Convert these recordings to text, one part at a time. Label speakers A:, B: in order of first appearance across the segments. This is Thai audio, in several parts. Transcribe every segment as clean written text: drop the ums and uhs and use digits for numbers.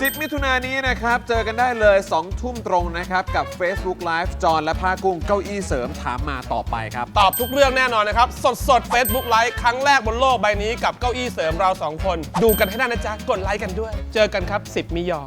A: 10 มิถุนายนนี้นะครับเจอกันได้เลย 2 ทุ่มตรงนะครับกับ Facebook Live จอนและผ้ากุ้งเก้าอี้เสริมถามมาต่อไปครับ
B: ตอบทุกเรื่องแน่นอนนะครับสด Facebook Live ครั้งแรกบนโลกใบนี้กับเก้าอี้เสริมเรา2 คนดูกันให้ได้นะจ๊ะกดไลค์กันด้วยเจอกันครับ10 มิยอ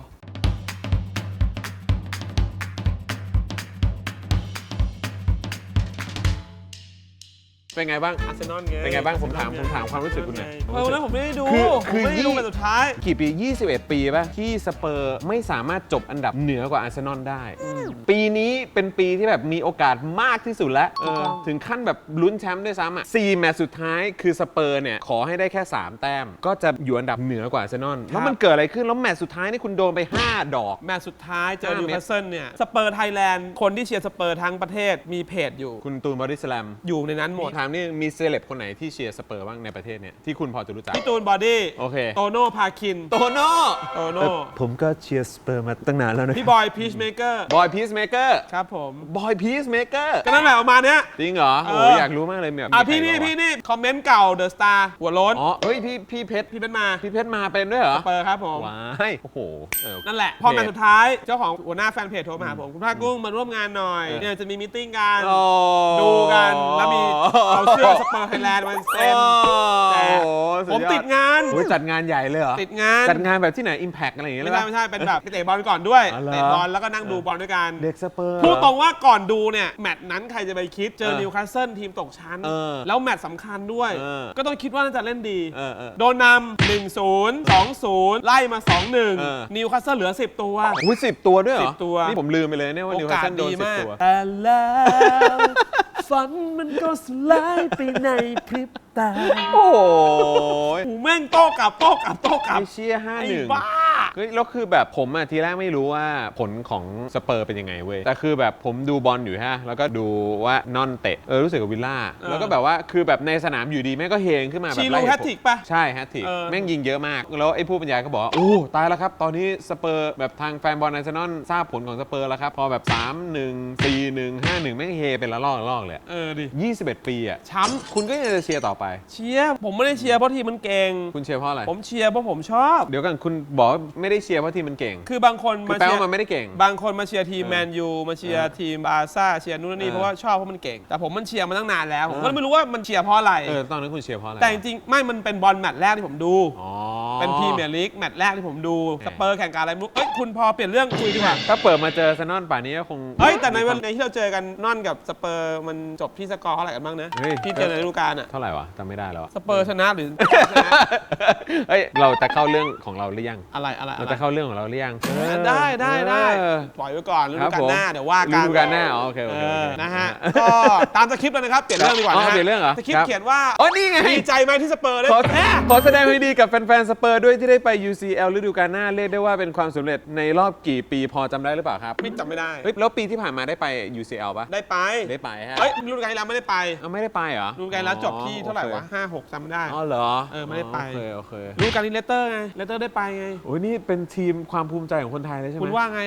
A: เป็นไงบ้าง
B: อาร์เซนอลไง
A: เป็นไงบ้างผมถามความรู้สึกคุณหน่อย
B: วันนั้นผมไม่ได้ดู
A: คือ
B: ไม่ได้ดูเป็นสุดท้าย
A: กี่ปี21 ปีป่ะที่สเปอร์ไม่สามารถจบอันดับเหนือกว่าอาร์เซนอลได้ปีนี้เป็นปีที่แบบมีโอกาสมากที่สุดแล้วถึงขั้นแบบลุ้นแชมป์ด้วยซ้ำอ่ะ4 แมตช์สุดท้ายคือสเปอร์เนี่ยขอให้ได้แค่3 แต้มก็จะอยู่อันดับเหนือกว่าอาร์เซนอลแล้วมันเกิดอะไรขึ้นแล้วแมตช์สุดท้ายนี่คุณโดนไป5 ดอก
B: แมตช์สุดท้ายเจอนิวคาสเซิลเนี่ยสเปอร์ไทยแลนด์คนที่เชียร์สเปอร์ทั้งประเทศมีเพจอยู่
A: คุณตูนบอดี้สแลม
B: อยู่ในนั้นหมด
A: ถามนี่มีเซเลบคนไหนที่เชียร์สเปอร์บ้างในประเทศเนี่ยที่คุณพอจะรู้จัก
B: พี่ตูนบอดี้
A: โอเค
B: โตโน่พาคิน
A: โตโน่
C: ผมก็เชียร์สเปอร์มาตั้งนานแล้วนะ
B: พี่บอยพีชเมเกอร์
A: บอยพีซเมเกอร์
B: ครับผม
A: บอยพีซเมเกอร์
B: ก็นั่นแหละประมาณเนี้ย
A: จริงเหรอโอ้อยากรู้มากเลยแบบ
B: พี่นี่คอมเมนต์เก่าเดอะสตาร์หัวโล้น
A: อ๋อเฮ้ยพี่เพชรมาเป็นด้วยเหรอ
B: สเปอร์ครับผม
A: ว้ายโอ้โห
B: นั่นแหละพอมาสุดท้ายเจ้าของหัวหน้าแฟนเพจโทรมาหาผมคุณภาคกุ้งมาร่วมงานหน่อยเนี่ยจะมีมีตติ้งกันดูกันแล้วมีเอาเสื้อสเปอร์ไทยแลนด์มาเซ็นแต่ผมติดงาน
A: จัดงานใหญ่เลยเหรอ
B: ติดงาน
A: จัดงานแบบที่ไหน Impact อะไรอย่างเงี้ย
B: ไม่ใช่เป็นแบบเตะบอลก่อนด้วยเตะบอลแล้วก็นั่งดูบอลด้วยกัน
A: เด็กสเปอร์
B: พูดตรงว่าก่อนดูเนี่ยแมตช์นั้นใครจะไปคิดเจอนิวคาสเซิลทีมตกชั้นแล้วแมตช์สำคัญด้วยก็ต้องคิดว่าน่าจะเล่นดีโดนนำ 1-0 2-0 ไล่มา 2-1 นิวคาสเซิลเหลือ10 ตัว
A: อุ้ย10 ตัวด้วยเหรอ
B: 10 ตัว
A: นี่ผมลืมไปเลยเนี่ยว่านิวคาสเซิลโดน10 ตัว
B: แต่แล้วฝันมันก็สลายไปในพริบตา
A: โอ้ย
B: แม่งโต้กลับ
A: เชียร์5-1
B: บ้า
A: แล้วคือแบบผมทีแรกไม่รู้ว่าผลของสเปอร์เป็นยังไงเว้ยแต่คือแบบผมดูบอลอยู่ฮะแล้วก็ดูว่านอนเตะรู้สึกกับวิลล่าแล้วก็แบบว่าคือแบบในสนามอยู่ดีแม่งก็เฮงขึ้นมาแบบ
B: ชีรูแฮตทริกป่ะ
A: ใช่แฮตทริกแม่งยิงเยอะมากแล้วไอ้ผู้บรรยายก็บอกโอ้ตายแล้วครับตอนนี้สเปอร์แบบทางแฟนบอลอาร์เซนอลทราบผลของสเปอร์แล้วครับพอแบบ3-1 4-1 5-1แม่งเฮเป็นละลอกเลย
B: ดิ
A: 21 ปีอ่ะ
B: ช้ำ
A: คุณก็ยังจะเชียร์ต่อไป
B: เชียร์ผมไม่ได้เชียร์เพราะทีมมันเก่ง
A: คุณเชียร์เพราะอะไร
B: ผมเชียร์เพราะผมชอบ
A: เดี๋ยวกันคุณบอกไม่ได้เชียร์เพราะทีมมันเก่ง
B: คือบางคนมาเชียร์
A: มันไม่ได้เก่ง
B: บางคนมาเชียร์ทีมแมนยูมาเชียร์ทีมบาร์ซ่าเชียร์นู่นนี่เพราะว่าชอบเพราะมันเก่งแต่ผมมันเชียร์มาตั้งนานแล้วผมก็ไม่รู้ว่ามันเชียร์เพราะอะไร
A: ตอนนั้นคุณเชียร์เพราะอะไร
B: แต่จริงๆไม่มันเป็นบอลแมตช์แรกที่ผมดูเป็นพรีเมียร์ลีกแมตช์แรกที่ผมดูสเปอร์แข่งกันอะไรไม่รู้คุณพอเปลี่ยนเรื่องคุยดีกว่า
A: ถ้าเปิดมาเจอซานอนป่านนี้ก็คง
B: แต่ในวันที่เราเจอกันนอนกับสเปอร์มันจบที่สกอร์เท่าไหร่กันบ้างนะที่เจอในฤดูกาล
A: เท่าไหร่วะจำไม่ได้แล้ว
B: สเปอร์ชนะหรือชนะ
A: เราจะเข้าเรื่องของเราหรือยัง
B: อะไร
A: เราจะเข้าเรื่องของเราหรือยัง
B: ได้ปล่อยไว้ก่อนฤดูกาลหน้าเดี๋ยวว่ากัน
A: ฤดูกาลหน้าโอเค
B: นะฮะก็ตามสคริปต์เลยนะครับเปลี่ยนเรื่องดีกว่านะ
A: เปลี่ยนเรื่องเหรอ
B: สคริปต์เขียนว่า
A: นี่ไง
B: ดีใจไหมที่สเปอร์ได้
A: ขอแสดงความดีกับแฟนๆสเปอร์ด้วยที่ได้ไป UCL ฤดูกาลหน้าเรียกได้ว่าเป็นความสำเร็จในรอบกี่ปีพอจำได้หรือเปล่าครับ
B: ไม่จำไม่ได้
A: แล้วปีที่ผ่านมาได้ไป UCL ป่ะ
B: ได้ไป
A: ฮะ
B: ฤดูกาลที่แล้วไม่ได้ไป
A: ไม่ได้ไปเหรอ
B: ฤดูกาลแล้วจบที่เท่าไหร่วะ5-6จำไม่ได้
A: เหรอ
B: ไม่ได้ไป
A: โอเค
B: ฤดูกาลนี้เลสเตอร์ไงเลสเตอร์ได้ไปไง
A: โอ้ยนี่เป็นทีมความภูมิใจของคนไทยเลยใช่ไหม
B: คุณว่าไง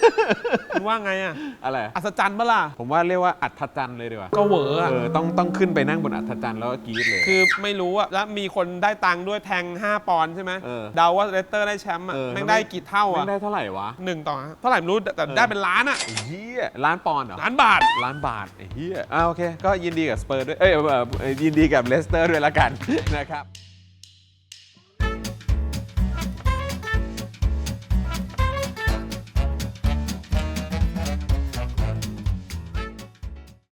A: อะไร
B: อัศจรรย์ปะล่ะ
A: ผมว่าเรียกว่าอัศจรรย์เลยดีกว่า
B: ก็เหวอ
A: ต้องขึ้นไปนั่งบนอัศจรรย์แล้วก็กรี๊ดเลย
B: คือไม่รู้อะแล้วมีคนได้ตังค์ด้วยแทง5 ปอนด์ใช่ไหมเดาว่าเลสเตอร์ได้แชมป์แม่งได้กี่เท่าอะ
A: ได้เท่าไหร่วะ
B: 1 ต่อเท่าไหร่ไม่รู้แต่ได้เป็นล้านอะ
A: เฮียล้านปอนด์เหรอ
B: ล้านบาท
A: เฮียโอเคก็ยินดีกับสเปอร์ด้วยยินดีกับเลสเตอร์ด้วยละกันนะครับ